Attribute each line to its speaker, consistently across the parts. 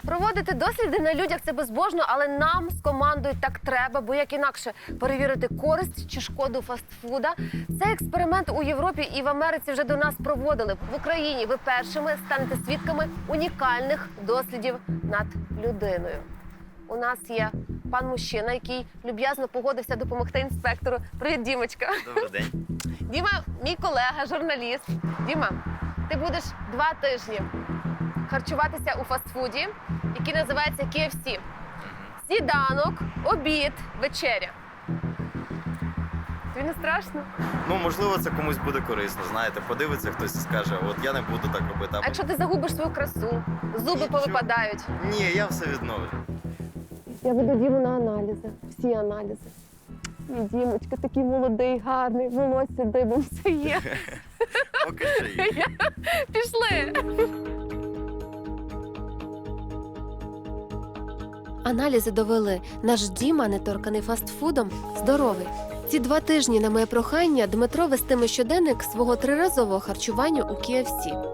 Speaker 1: Проводити досліди на людях – це безбожно, але нам з командою так треба, бо як інакше перевірити користь чи шкоду фастфуда. Цей експеримент у Європі і в Америці вже до нас проводили. В Україні ви першими станете свідками унікальних дослідів над людиною. У нас є пан мужчина, який люб'язно погодився допомогти інспектору. Привіт, Дімочка.
Speaker 2: Добрий день.
Speaker 1: Діма – мій колега, журналіст. Діма, ти будеш 2 тижні харчуватися у фастфуді, який називається KFC. Сніданок, обід, вечеря. Тобі не страшно?
Speaker 2: Ну, можливо, це комусь буде корисно, знаєте. Подивиться хтось і скаже, от я не буду так робити.
Speaker 1: А якщо ти загубиш свою красу, зуби
Speaker 2: Нічого.
Speaker 1: повипадають?
Speaker 2: Ні, я все відновлю.
Speaker 1: Я веду Діму на аналізи, всі аналізи. Мій Дімочка такий молодий, гарний, волосся дибом, все є.
Speaker 2: Поки що є.
Speaker 1: Пішли. Аналізи довели. Наш Діма, неторканий фастфудом, здоровий. Ці 2 тижні на моє прохання Дмитро вестиме щоденник свого 3-разового харчування у KFC.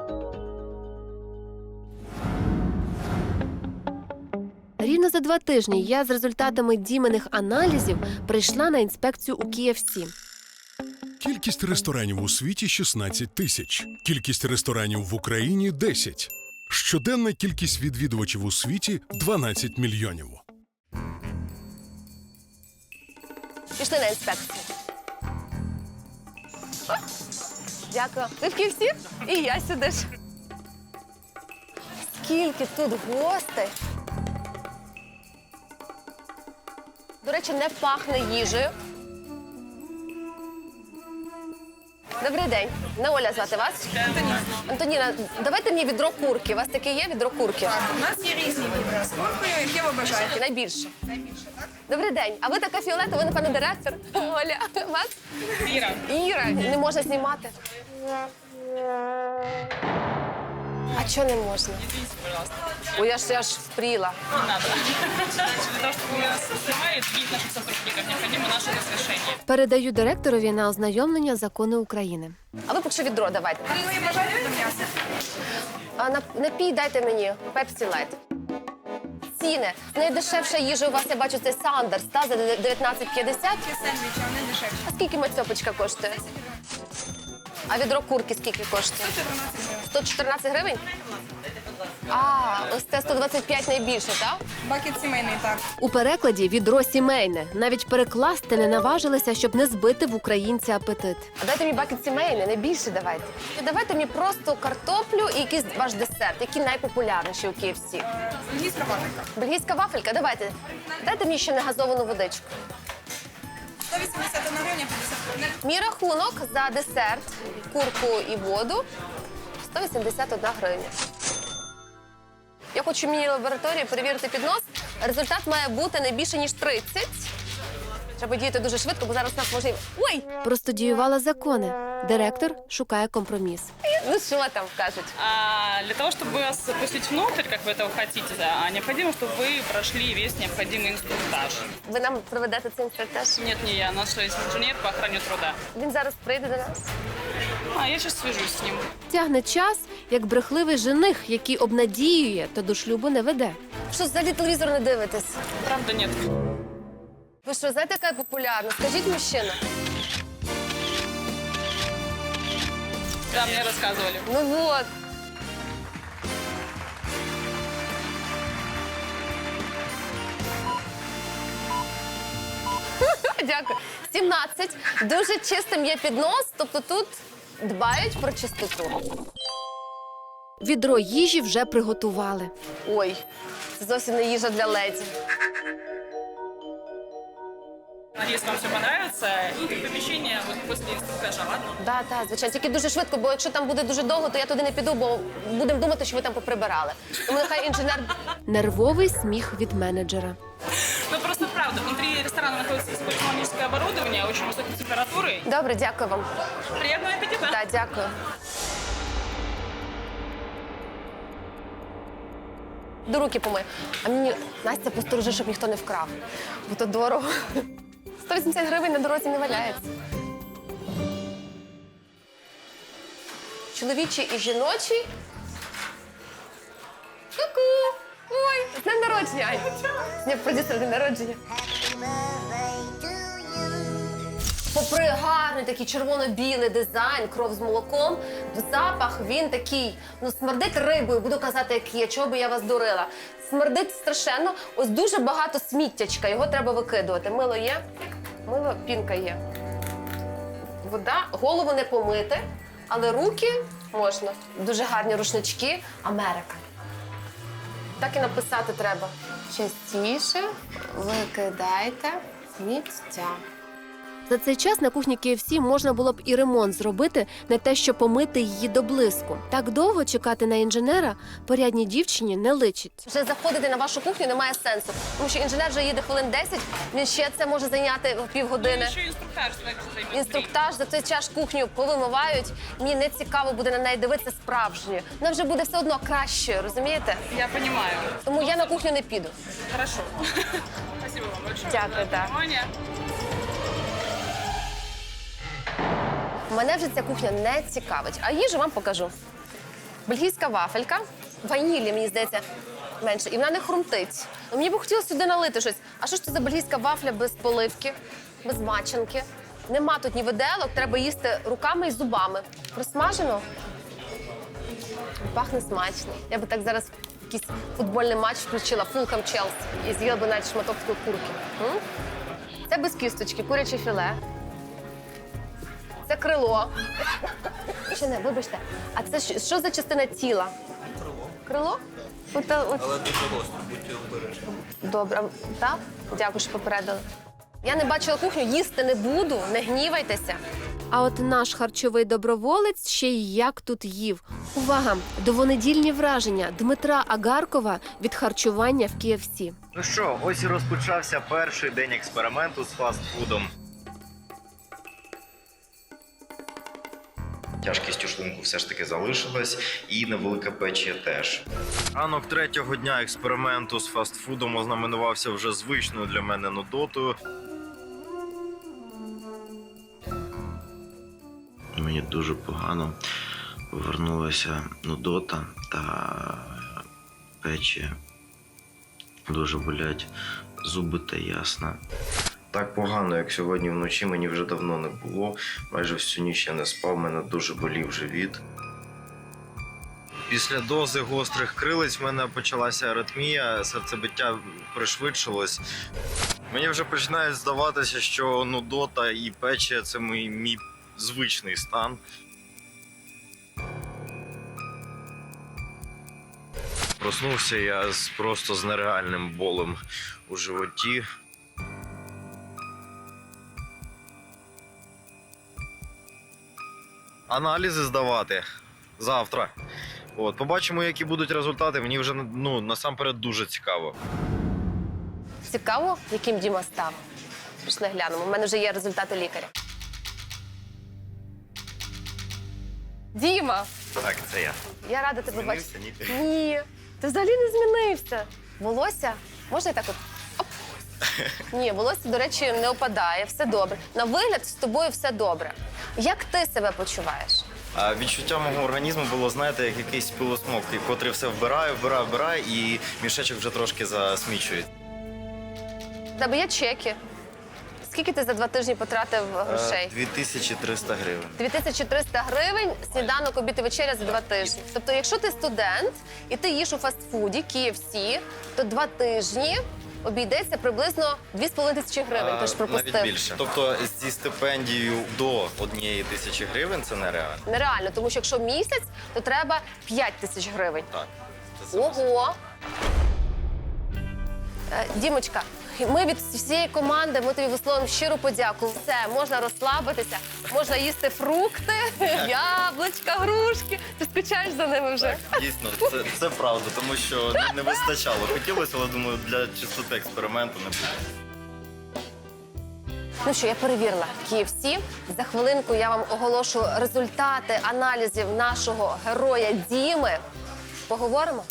Speaker 1: Рівно за 2 тижні я з результатами Діминих аналізів прийшла на інспекцію у KFC.
Speaker 3: Кількість ресторанів у світі – 16 тисяч. Кількість ресторанів в Україні – 10. Щоденна кількість відвідувачів у світі – 12 мільйонів.
Speaker 1: Пішли на інспекцію. О, дякую. Ви в KFC? І я сюди ж. Скільки тут гостей. До речі, не пахне їжею. Добрий день. Не Оля звати вас?
Speaker 4: Антоніна.
Speaker 1: Антоніна, давайте мені відро курки. У вас таке є відро курки?
Speaker 4: У нас є різні відра з куркою, які ви бажаєте.
Speaker 1: Найбільше.
Speaker 4: Найбільше, так?
Speaker 1: Добрий день. А ви така фіолетова, ви, напевно, директор? Оля, вас?
Speaker 4: Іра.
Speaker 1: Іра, не можна знімати. А чого не можна?
Speaker 4: Извините, пожалуйста.
Speaker 1: Ой, я ж впріла.
Speaker 4: Не надо. Для того, чтобы нас снимали, видеть наших сотрудников, необходимо наше разрешение.
Speaker 1: Передаю директорові на ознайомлення закони України. А ви поки що відро давайте.
Speaker 4: Ви бажаєте до м'яса?
Speaker 1: А напій дайте мені, Пепсі Лайт. Ціни. Найдешевша їжа у вас, я бачу, це Сандерс, та, за 19,50.
Speaker 4: Чи сендвічі, вони дешевші.
Speaker 1: А скільки мацьопочка коштує? А відро курки скільки коштує? 114 гривень? А, ось це 125 найбільше, так?
Speaker 4: Бакет сімейний, так.
Speaker 1: У перекладі відро сімейне. Навіть перекласти не наважилися, щоб не збити в українця апетит. А дайте мені бакет сімейне, не більше давайте. І давайте мені просто картоплю і якийсь ваш десерт, які найпопулярніші у KFC.
Speaker 4: Англійська вафелька.
Speaker 1: Бельгійська вафелька, давайте. Дайте мені ще негазовану водичку.
Speaker 4: 181 гривня 50 гривень.
Speaker 1: Мій рахунок за десерт, курку і воду 181 гривня. Я хочу в міні-лабораторії перевірити піднос. Результат має бути не більше, ніж 30. Треба діяти дуже швидко, бо зараз нас може... Ой! Простудіювала закони. Директор шукає компроміс. Ну що там кажуть?
Speaker 5: Для того, чтобы вас пустить внутрь, как вы этого хотите, необходимо, чтобы вы прошли весь необходимый инструктаж.
Speaker 1: Ви нам проведете цей інструктаж?
Speaker 5: Нет, не я, наш есть инженер по охране труда.
Speaker 1: Він зараз прийде до нас.
Speaker 5: Я сейчас свяжусь с ним.
Speaker 1: Тягне час, як брехливий жених, який обнадіює, то до шлюбу не веде. Що, взагалі телевізор не дивитесь?
Speaker 5: Правда, нет.
Speaker 1: Ви що, знаєте, яка я популярна? Скажіть, мужчина.
Speaker 5: Да, мне рассказывали.
Speaker 1: Ну вот. Дякую. 17. Дуже чистим є піднос, тобто тут дбають про чистоту. Відро їжі вже приготували. Ой, це зовсім не їжа для леді.
Speaker 5: Надеюсь, вам все понравится. И помещение вот после инструктажа, ладно?
Speaker 1: Так, звичайно. Тільки дуже швидко, бо якщо там буде дуже довго, то я туди не піду, бо будемо думати, що ви там поприбирали. Тому нехай інженер... Нервовий сміх від менеджера.
Speaker 5: Ну, просто правда, внутри ресторана находится использованное оборудование, очень высокой температуры.
Speaker 1: Добре, дякую вам.
Speaker 5: Приятного аппетита!
Speaker 1: Так, дякую. До руки помий. А мені, Настя, посторожи, щоб ніхто не вкрав. Бо то дорого. 180 гривень на дорозі не валяється. Чоловічий і жіночий. Ку-ку! Ой, з днем народження, Ань. Ні, продюсер, день народження. Попри гарний такий червоно-білий дизайн, кров з молоком, запах він такий, ну, смердить рибою, буду казати, як є, чого би я вас дурила. Смердить страшенно, ось дуже багато сміттячка, його треба викидувати. Мило є, мило, пінка є. Вода, голову не помити, але руки можна. Дуже гарні рушнички. Америка. Так і написати треба. Частіше викидайте сміття. За цей час на кухні KFC можна було б і ремонт зробити, не те, що помити її до блиску. Так довго чекати на інженера порядній дівчині не личить. Вже заходити на вашу кухню немає сенсу, тому що інженер вже їде хвилин 10, він ще це може зайняти півгодини.
Speaker 5: Еще инструктаж займет.
Speaker 1: Інструктаж, за цей час кухню повимивають. Мені не цікаво буде на неї дивитися справжньою. Вона вже буде все одно кращою, розумієте?
Speaker 5: Я понимаю.
Speaker 1: Тому я на кухню не піду.
Speaker 5: Хорошо. Спасибо вам большое.
Speaker 1: Дякую,
Speaker 5: за
Speaker 1: да.
Speaker 5: внимание.
Speaker 1: Мене вже ця кухня не цікавить. А їжу вам покажу. Бельгійська вафелька, ванілі, мені здається, менше. І вона не хрумтить. Ну, мені б хотілося сюди налити щось. А що ж це за бельгійська вафля без поливки, без мачанки? Нема тут ні виделок, треба їсти руками і зубами. Просмажено? Пахне смачно. Я би так зараз якийсь футбольний матч включила, Фулхем Челсі, і з'їла би навіть шматок такої курки. М? Це без кісточки, куряче філе. Це крило. Чи не, вибачте. А це що за частина тіла? Крило. Крило?
Speaker 2: Але дуже гостро, будьте обережні.
Speaker 1: Добре. Так? Дякую, що попередили. Я не бачила кухню, їсти не буду, не гнівайтеся. А от наш харчовий доброволець ще й як тут їв. Увага! Довонедільні враження Дмитра Агаркова від харчування в KFC.
Speaker 2: Ну що, ось і розпочався перший день експерименту з фастфудом. Тяжкість у шлунку все ж таки залишилась, і невелика печія теж. Ранок третього дня експерименту з фастфудом ознаменувався вже звичною для мене нудотою. Мені дуже погано повернулася нудота та печія. Дуже болять зуби та ясна. Так погано, як сьогодні вночі, мені вже давно не було. Майже всю ніч я не спав, мене дуже болів живіт. Після дози гострих крилиць в мене почалася аритмія, серцебиття пришвидшилось. Мені вже починає здаватися, що нудота і печія – це мій звичний стан. Проснувся я просто з нереальним болем у животі. Аналізи здавати завтра. От, побачимо, які будуть результати. Мені вже насамперед дуже цікаво.
Speaker 1: Цікаво, яким Діма став? Пішли глянемо. У мене вже є результати лікаря. Діма!
Speaker 2: Так, це я.
Speaker 1: Я рада тебе бачити.
Speaker 2: Змінився?
Speaker 1: Ні, ти взагалі не змінився. Волосся? Можна і так от? Оп. Ні, волосся, до речі, не опадає, все добре. На вигляд з тобою все добре. Як ти себе почуваєш?
Speaker 2: А відчуття мого організму було, знаєте, як якийсь пилосмок, котрий все вбирає, і мішечок вже трошки засмічує.
Speaker 1: У тебе є чеки. Скільки ти за 2 тижні потратив грошей?
Speaker 2: 2300 гривень.
Speaker 1: 2300 гривень, сніданок, обід і вечеря за 2 тижні. Тобто, якщо ти студент і ти їш у фастфуді, KFC, то 2 тижні обійдеться приблизно 2500 гривень. Ти ж пропустив.
Speaker 2: Навіть більше. Тобто зі стипендією до 1000 гривень це нереально.
Speaker 1: Нереально, тому що якщо місяць, то треба 5000 гривень.
Speaker 2: Так. Це
Speaker 1: Ого! Дімочка, ми від всієї команди, ми тобі висловимо щиру подяку. Все, можна розслабитися, можна їсти фрукти, яблучка, грушки. Ти скучаєш за ними вже?
Speaker 2: Так, дійсно, це правда, тому що не вистачало. Хотілося, але думаю, для чистоти експерименту не буде.
Speaker 1: Ну що, я перевірила KFC. За хвилинку я вам оголошу результати аналізів нашого героя Діми. Поговоримо?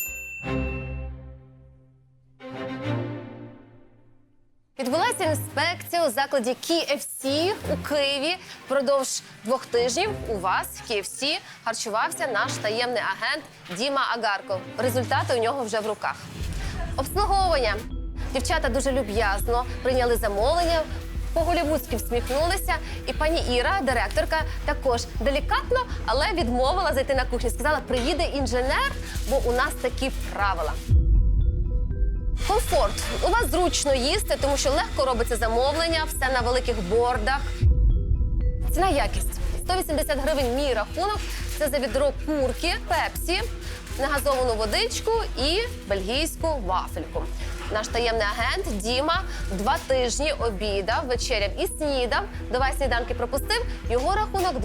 Speaker 1: Відбулася інспекція у закладі KFC у Києві. Впродовж 2 тижнів у вас в KFC харчувався наш таємний агент Діма Агарков. Результати у нього вже в руках. Обслуговування. Дівчата дуже люб'язно прийняли замовлення, по-голівудськи всміхнулися. І пані Іра, директорка, також делікатно, але відмовила зайти на кухню. Сказала, приїде інженер, бо у нас такі правила. Комфорт. У вас зручно їсти, тому що легко робиться замовлення, все на великих бордах. Ціна якість. 180 гривень мій рахунок. Це за відро курки, пепсі, негазовану водичку і бельгійську вафельку. Наш таємний агент Діма 2 тижні обідав, вечеряв і снідав. 2 сніданки пропустив. Його рахунок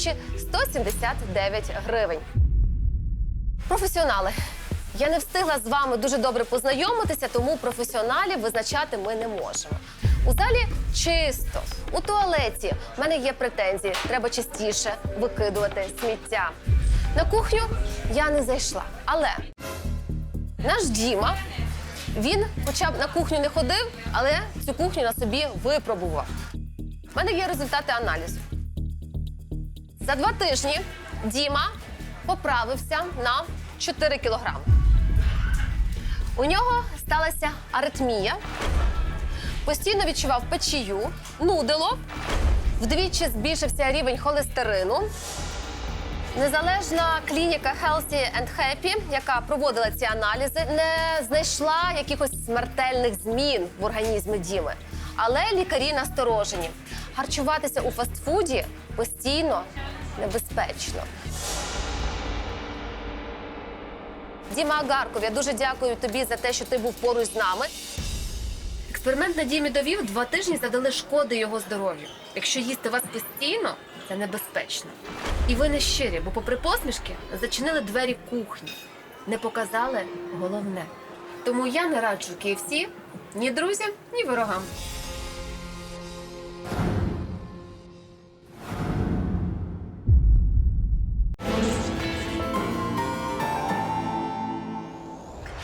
Speaker 1: 2179 гривень. Професіонали. Я не встигла з вами дуже добре познайомитися, тому професіоналів визначати ми не можемо. У залі чисто, у туалеті в мене є претензії, треба частіше викидувати сміття. На кухню я не зайшла, але наш Діма, він хоча б на кухню не ходив, але цю кухню на собі випробував. У мене є результати аналізу. За 2 тижні Діма поправився на 4 кілограми. У нього сталася аритмія, постійно відчував печію, нудило, вдвічі збільшився рівень холестерину. Незалежна клініка Healthy and Happy, яка проводила ці аналізи, не знайшла якихось смертельних змін в організмі Діми. Але лікарі насторожені. Харчуватися у фастфуді постійно небезпечно. Діма Агарков, я дуже дякую тобі за те, що ти був поруч з нами. Експеримент на Дімі довів, 2 тижні завдали шкоди його здоров'ю. Якщо їсти вас постійно, це небезпечно. І ви не щирі, бо попри посмішки зачинили двері кухні. Не показали головне. Тому я не раджу KFC ні друзям, ні ворогам.